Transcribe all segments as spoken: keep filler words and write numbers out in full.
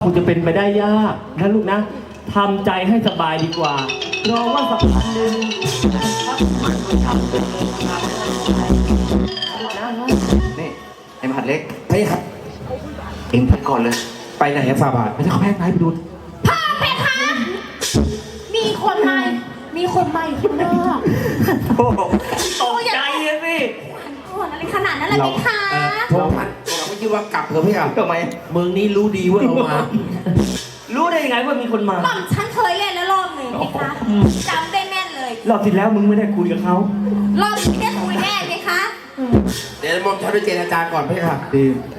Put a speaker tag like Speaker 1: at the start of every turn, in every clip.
Speaker 1: คงจะเป็นไปได้ยากนะลูกนะทำใจให้สบายดีกว่ารอว่าสักพักหนึ่ง
Speaker 2: นี่ไอ้มหัดเล็ก
Speaker 3: ไปครับ
Speaker 2: เอ็งไปก่อนเลย
Speaker 3: ไปไหนอะฟาบาทไม่ใช่เขาแพ้ไหนไปดู
Speaker 4: พ่อเพคะมีคนใหม่มีคนใหม่ข้างนอก
Speaker 1: โอ้ตกใจเลยสิ
Speaker 4: คนอะไรขนาดนั้นเลยเพคะ
Speaker 3: โทรพันเราไม่คิดว่ากลับเถอะพี่อ่ะ
Speaker 2: ทำไม
Speaker 3: เมืองนี้รู้ดีว่าเรามา
Speaker 1: รู้ได้ยังไงว่ามีคนมา
Speaker 4: หม่อมฉันเคยเล่นแล้วรอบหนึ่งเพคะจำได้แม่นเลย
Speaker 1: รอบที่แล้วมึงไม่ได้คุยกับเขา
Speaker 4: รอบที่ได้คุยแน่เพคะ
Speaker 3: เดี๋ยวมอมฉันไปเจรจาก่อนพี่ค่ะ
Speaker 2: ดี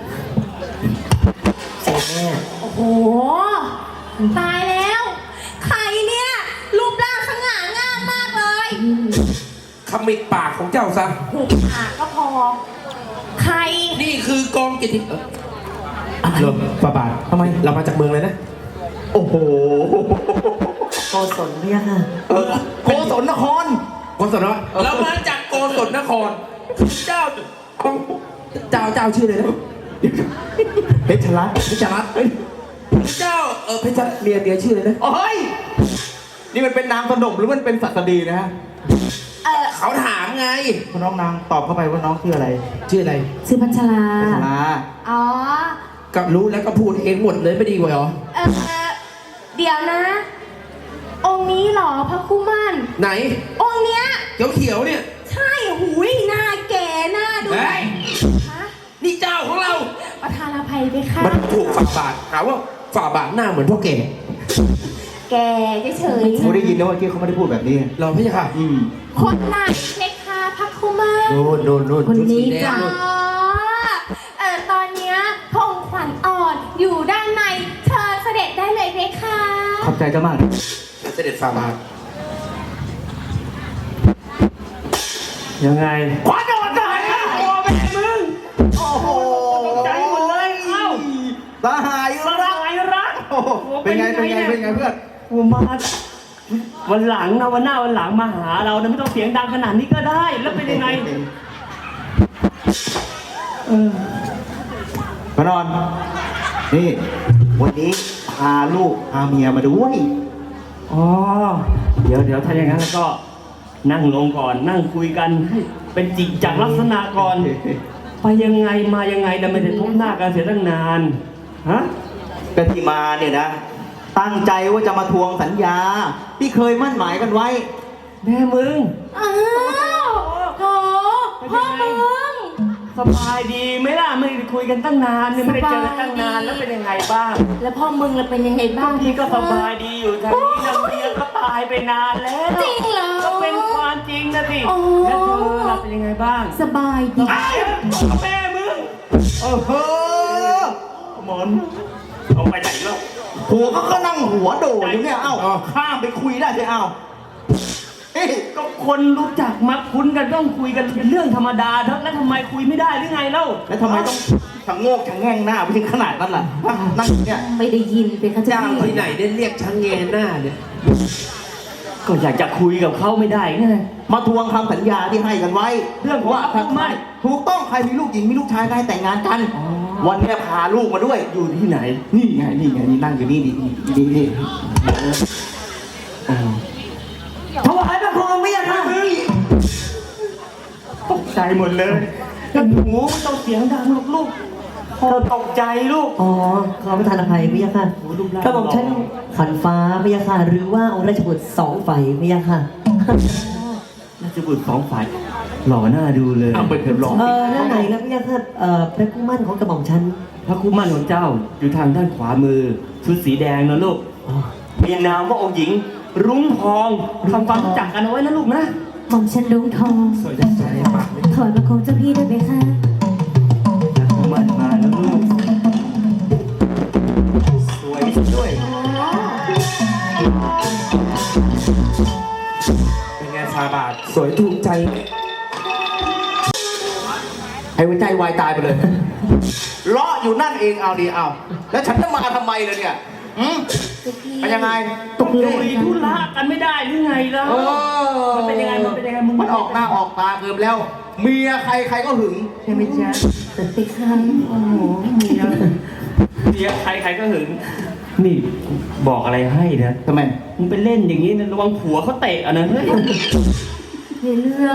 Speaker 3: เสร็จแน่
Speaker 4: โอ้โหตายแล้ว ใครเนี่ยรูปร่างสง่างามมากเลย
Speaker 3: ขมิดปากของเจ้าซะ
Speaker 4: หูปากก็พอ ใคร
Speaker 3: นี่คือกองกิตติเออเริ่มฟาบาท
Speaker 2: ทำไม
Speaker 3: เรามาจากเมืองเลยนะ
Speaker 2: โอ้โห
Speaker 5: โกศลเนี่ยค่ะ
Speaker 3: เออ
Speaker 2: โกศลนคร
Speaker 3: โกศลวะเรามาจากโกศลนครเจ้าของเจ้าเจ้าชื่ออะไรนะ
Speaker 2: เพชรรัตน์
Speaker 3: เพชรรัตน์เอ้ยเจ้าเออเพชรรัตน์เมียเมียชื่ออะไรนะ
Speaker 2: โอ้ยนี่มันเป็นนามสนมหรือมันเป็นศัสดีนะฮะ
Speaker 4: เออ
Speaker 3: เขาถามไง
Speaker 2: พอน้องนางตอบเข้าไปว่าน้องชื่ออะไร
Speaker 3: ชื่ออะไร
Speaker 4: ชื่อพัชรา
Speaker 2: พัชรา
Speaker 4: อ๋อ
Speaker 3: ก็รู้แล้วก็พูดเองหมดเลยไม่ดีกว่าเหรอ
Speaker 4: เออเดี๋ยวนะ องค์นี้เหรอพระคุมัน
Speaker 3: ไหน
Speaker 4: องค์เนี้ย
Speaker 3: เขียวเขียวๆเนี่ย
Speaker 4: ใช่หูยหน้าแก่หน้าดู
Speaker 3: เฮ้ย
Speaker 4: ฮะ
Speaker 3: นี่เจ้าของเรา
Speaker 4: ประธานอภัยไปค่ะ
Speaker 3: มันถูกฝ่าบาทหาว่าฝ่าบาทหน้าเหมือนพ่อแก่
Speaker 4: แกเฉย
Speaker 2: เขาได้ยินนะว่าเมื่อกี้เขาไม่ได้พูดแบบนี้
Speaker 3: เราพี่ค่ะ
Speaker 2: อืม
Speaker 4: ๆคนไหนเพคะพระคุมัน
Speaker 3: โน่นโน่นโน่น
Speaker 4: คนนี้
Speaker 3: ชุดสีแดง
Speaker 4: จ้ะ
Speaker 3: โน่น
Speaker 4: เออตอนเนี้ยพระองค์ขวัญอ่อนอยู่ด้านในเชิญเสด็จได้เลยเพคะ
Speaker 2: ขอบใจเจ้ามากนะ
Speaker 3: เสด็จฝ่าบาท
Speaker 1: ยังไงขวานโดนทหารข้าโอ้แม่มึง
Speaker 2: โอ้โห
Speaker 1: ตกใจหมดเลยเอ้า
Speaker 2: สหาย
Speaker 1: ส
Speaker 2: รัก
Speaker 1: ลายรัก
Speaker 2: โอ้โหเป็นไงเป็นไงเป็นไงเพื่อน
Speaker 1: กูมาวันหลังนะวันหน้าวันหลังมาหาเรานะไม่ต้องเสียงดังขนาดนี้ก็ได้ แล้วเป็นยังไงเออ
Speaker 2: พระนอน นี่ วันนี้พาลูกพาเมียมาด้วย
Speaker 1: อ๋อเดี๋ยวเดี๋ยวถ้าอย่างนั้นแล้วก็นั่งลงก่อนนั่งคุยกันให้เป็นจริงจากลักษณะก่อน ไปยังไงมายังไงแต่ไม่ได้พบหน้ากันเสียตั้งนานฮะ
Speaker 2: ก็ที่มาเนี่ยนะ ตั้งใจว่าจะมาทวงสัญญา ที่เคยมั่นหมายกันไว้
Speaker 1: แม่มึง
Speaker 4: อ้าวโหพ่อมึง
Speaker 1: สบายดีไหมล่ะไม่ได้คุยกันตั้งนานเนี่ยไม่ได้เจอกันตั้งนานแล้วเป็นยังไงบ้าง
Speaker 4: แล้วพ่อมึงล่ะเป็นยังไงบ้าง
Speaker 1: พี่ก็สบายดีอยู่ทางนี้นะเมียก็ตายไปนานแล้ว
Speaker 4: จริงเหรอ
Speaker 1: ก็เป็นความจริงนะสิ
Speaker 4: โอ้
Speaker 1: แล้วเธอล่ะเป็นยังไงบ้าง
Speaker 4: สบายดี
Speaker 1: ไอ้แม่มึง
Speaker 2: โอ้โห
Speaker 1: หมอนเอาไปไหนแล้ว
Speaker 2: หัวเขาก็นั่งหัวโดดอยู่เนี่ย เอ้า ข้ามไปคุยได้สิเอ้าเฮ้ย
Speaker 1: ก็คนรู้จักมักคุ้นกันต้องคุยกันเป็นเรื่องธรรมดาเถอะแล้วทำไมคุยไม่ได้หรือไงเล่า
Speaker 2: แล้วทำไมต้องชะโงกชะแง่งหน้าไปถึงขนาดนั้นล่ะ นั่งอยู่เนี่ย
Speaker 4: ไม่ได้ยินเป็นข้า
Speaker 3: จ้า
Speaker 4: เจ้าง
Speaker 3: ที่ไหนได้เรียกช่างเงยหน้าเนี่ย
Speaker 1: ก็อยากจะคุยกับเขาไม่ได้ไง
Speaker 2: มาทวงคำสัญญาที่ให้กันไว้
Speaker 1: เรื่องของ
Speaker 2: ว่าถ้า
Speaker 1: ไม่
Speaker 2: ถูกต้องใครมีลูกหญิงมีลูกชายก็ให้แต่งงานกัน
Speaker 1: อ๋อ
Speaker 2: วันเนี้ยพาลูกมาด้วย
Speaker 1: อยู่ที่ไหน
Speaker 2: นี่ไง นี่ไง นี่นั่งอยู่นี่นี่นี่นี่
Speaker 1: อ๋อ
Speaker 5: ถวายพระโคมไม่ยังค่ะ
Speaker 1: ตกใจหมดเลยแล้วหนูไม่ต้องเสียงดังลูกลูกพอตกใจลูก
Speaker 5: อ๋อ ขอประทานอภัยไม่ยังค่ะ
Speaker 1: โอ้รูปร่าง
Speaker 5: กระบอกฉันขันฟ้าไม่ยังค่ะ หรือว่าองค์ราชบุตรสองไฟไม่ยังค่ะ
Speaker 1: น่าจะบุตรสองฝ่ายหล่อหน้าดูเลย
Speaker 3: เอาไปเถอะหลอก
Speaker 5: เออแล้วไหนแล้วไม่ยังค่ะ เอ่อพระผู้มั่นของกระบอกฉัน
Speaker 1: พระคู่มั่นของเจ้าอยู่ทางด้านขวามือชุดสีแดงนะลูก
Speaker 5: อ๋อ
Speaker 1: มีนามว่าองค์หญิง รุ้งทองทำความรู้จักกันเอาไว้นะลูกนะ
Speaker 6: หม่อมฉันรุ้งทอง
Speaker 3: สวยใจมากเลย
Speaker 6: ถอยมาคงเจ้าพี่ได้ไหมคะ
Speaker 1: พระคู่มั่นมาแล้วลูก
Speaker 2: สวยด้วย
Speaker 3: เป็นไงฝ่าบาทสวยถูกใจ
Speaker 2: ให้หัวใจวายตายไปเลย เลาะอยู่นั่นเองเอาดีเอา แล้วฉันจะมาทำไมเลยเนี่ยอืมเป็นยังไง
Speaker 1: ตกลุยธุระกันไม่ได้หรือไงล่ะ
Speaker 2: เออ
Speaker 1: มันเป็นยังไงมันเป็นยังไงมึง
Speaker 2: มันออกหน้าออกตาเกินแล้ว เมียใครใครก็หึง
Speaker 1: ใช่ไหมจ๊ะ
Speaker 6: ไปค่ะ
Speaker 1: โอ้โหเมียเมียใครใครก็หึงนี่บอกอะไรให้นะ
Speaker 2: ทำไม
Speaker 1: มึงไปเล่นอย่างนี้นะระวังผัวเขาเตะอ่ะนะเฮ้ย
Speaker 6: ในเรื่อง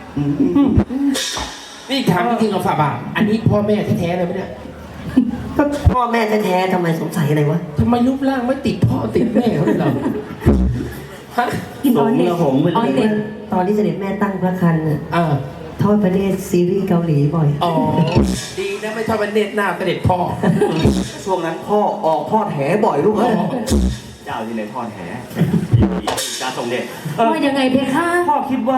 Speaker 3: นี่ถามจริงๆเราฝาบาทอันนี้พ่อแม่แท้ๆเลยไหมเนี่ย
Speaker 5: ก็พ่อแม่แท้ๆทำไมสงสัยอะไรวะ
Speaker 3: ทำไมรูปร่างไม่ติดพ่อติดแม่เขาเลยเหรอฮะ
Speaker 6: กิน
Speaker 1: ส
Speaker 6: ออ
Speaker 1: ม
Speaker 6: นเน็
Speaker 1: ก
Speaker 6: ต
Speaker 1: ระหงไป
Speaker 6: ออน
Speaker 1: เล
Speaker 6: เน็
Speaker 1: ย
Speaker 6: ต
Speaker 5: ตอนที่เสด็จแม่ตั้งพระครรภ์น่ะ
Speaker 3: อ่า
Speaker 5: ทอดประเทศซีรีส์เกาหลีบ่อย
Speaker 3: อ๋อดีนะไม่ทอดเป็นเน็ตหน้าเสด็จพ่อ
Speaker 2: ช่วงนั้นพ่อออกทอดแหบ่อยลูกเอ้ย
Speaker 1: เจ้าที่ไหนทอดแหจ้าทรงเดชเออ
Speaker 6: ว่ายังไงเพคะ
Speaker 1: พ่อคิดว่า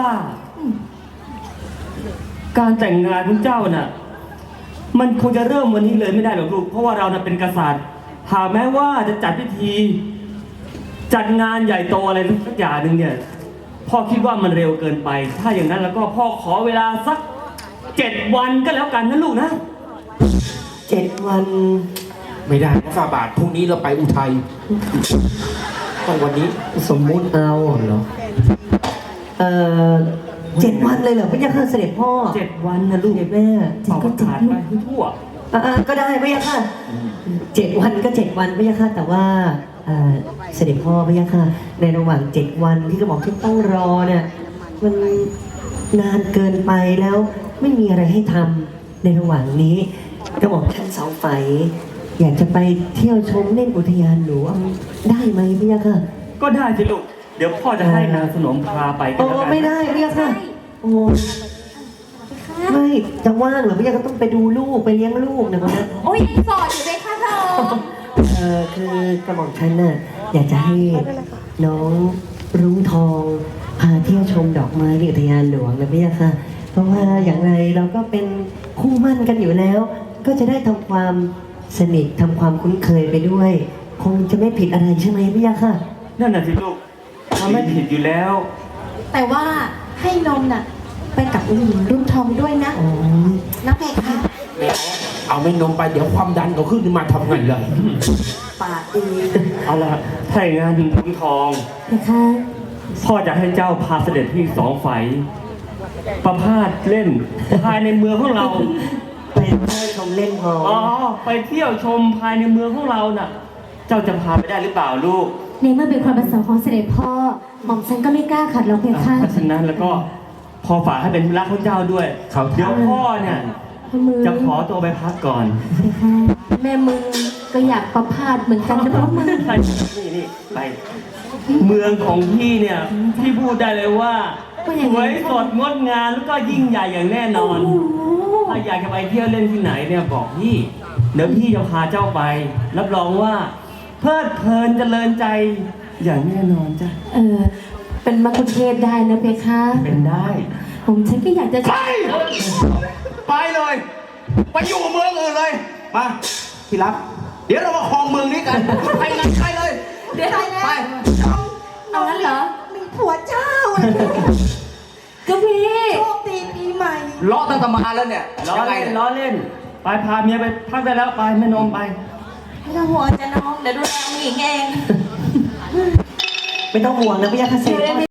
Speaker 1: การแต่งงานของเจ้าน่ะ มันควรจะเริ่มวันนี้เลยไม่ได้หรอกลูก เพราะว่าเราน่ะเป็นกษัตริย์หากแม้ว่าจะจัดพิธี จัดงานใหญ่โตอะไรสักอย่างหนึ่งเนี่ย พ่อคิดว่ามันเร็วเกินไป ถ้าอย่างนั้นแล้วก็พ่อขอเวลาสักเจ็ดวันก็แล้วกันนะลูกนะ
Speaker 5: เจ็ดวัน
Speaker 3: ไม่ได้นะฝาบาทพรุ่งนี้เราไปอุทัยต้องวันนี้
Speaker 5: สมมุติเอาเหรอ เอ่อเจ็ดวันเลยเหรอพระยาค่ะเสด็จพ่อ
Speaker 1: เจ็ดวันนะลูก
Speaker 5: เสด็จแม่
Speaker 1: เป่าประกาศไปทั่ว
Speaker 5: อ่าก็ได้พระยาค่ะเจ็ดวันก็เจ็ดวันพระยาค่ะแต่ว่าเอ่อเสด็จพ่อพระยาค่ะในระหว่างเจ็ดวันที่กระบอกที่ต้องรอเนี่ยมันนานเกินไปแล้วไม่มีอะไรให้ทำในระหว่างนี้กระบอกท่านเสาไฟอยากจะไปเที่ยวชมเล่นอุทยานหลวงได้ไหมพระยาค่ะ
Speaker 1: ก็ได้สิลูก เดี๋ยวพ่อจะให้นางสนมพาไปก็
Speaker 5: โอ้
Speaker 1: แล้วกัน
Speaker 5: ไม่ได้พระยาค่ะโอ้
Speaker 4: เพคะ
Speaker 5: ไม่จะว่างเหรอพระยาค่ะต้องไปดูลูกไปเลี้ยงลูกนะคนนั้น
Speaker 4: โอ้ยยังโสดอยู่เพคะพระองค์
Speaker 5: เออคือกระบอกฉันน่ะอยากจะให้น้องรุ้งทองพาเที่ยวชมดอกไม้ที่อุทยานหลวงนะพี่ยะค่ะ เพราะว่าอย่างไรเราก็เป็นคู่มั่นกันอยู่แล้ว ก็จะได้ทำความสนิททำความคุ้นเคยไปด้วย คงจะไม่ผิดอะไรใช่ไหมพี่ยะค่ะ
Speaker 1: นั่นน่ะสิลูกมันไม่ผิดอยู่แล้ว
Speaker 4: แต่ว่าให้นมน่ะไปกับอุ้งหญิงรุ่งทองด้วยนะ
Speaker 5: อ๋อ
Speaker 4: นะเพคะ
Speaker 3: เอาไม่นมไปเดี๋ยวความดันเขาขึ้นมาทำไงเลย
Speaker 5: ปากดี
Speaker 1: เอาละถ้าอย่างงานถึงขุนทอง
Speaker 6: เพคะ
Speaker 1: พ่อจะให้เจ้าพาเสด็จพี่สองไฟประพาสเล่น ภายในเมืองของเรา
Speaker 5: ไปเที่ยวชมเล่นพอ
Speaker 1: อ๋อ ไปเที่ยวชมภายในเมืองของเราน่ะ เจ้าจะพาไปได้หรือเปล่าลูก
Speaker 6: ในเมื่อเป็นความประสงค์ของเสด็จพ่อหม่อมฉันก็ไม่กล้าขัดหรอกเพคะ
Speaker 1: เพราะฉะนั้นแล้วก็พอฝากให้เป็นธุระของเจ้าด้วย เดี๋ยวพ่อเนี่ย
Speaker 6: มือ
Speaker 1: จะขอตัวไปพักก่อน
Speaker 6: เพคะแม่มึงก็อยากประพาสเหมือนกันนะเพราะมึง
Speaker 1: นี่นี่ไป เมืองของพี่เนี่ย พี่พูดได้เลยว่า
Speaker 6: ว่าอย่าง
Speaker 1: ส
Speaker 6: ไร
Speaker 1: วยสดงดงามแล้วก็ยิ่งใหญ่อย่างแน่นอน
Speaker 6: โอ้โห
Speaker 1: ถ้าอยากจะไปเที่ยวเล่นที่ไหนเนี่ยบอกพี่ เดี๋ยวพี่จะพาเจ้าไป รับรองว่าเพลิดเพลินเจริญใจอย่างแน่นอนจ้ะ
Speaker 6: เออเป็นมะคุเทศได้นะเพคะ
Speaker 1: เป็นได้
Speaker 6: ผมฉันก็อยากจะ
Speaker 2: ไป ไปเลย ไปอยู่เมืองอื่นเลย มาพี่รับ เดี๋ยวเรามาครองเมืองนี้กัน ไปงั้นใครเลย
Speaker 4: เดี๋ยวไป
Speaker 2: ไป
Speaker 6: เอางั้นเหรอ
Speaker 4: มีผัวเจ้า
Speaker 6: ก็พี่
Speaker 4: โชคดีปีใหม่
Speaker 2: เลาะตั้งแต่มาแล้วเนี่ย
Speaker 1: ล้อ
Speaker 2: ยังไง
Speaker 1: เล่น
Speaker 2: เนี่ย
Speaker 1: ล้อเล่น ไปพาเมียไปพักได้แล้วไปแม่นมไป
Speaker 4: ไม่ต้องห่วงจะน้อง เดี๋ยวดูแลองค์หญิงเอง
Speaker 5: ไม่ต้องห่วงนะพี่ยะค่ะเสด็จพ่อ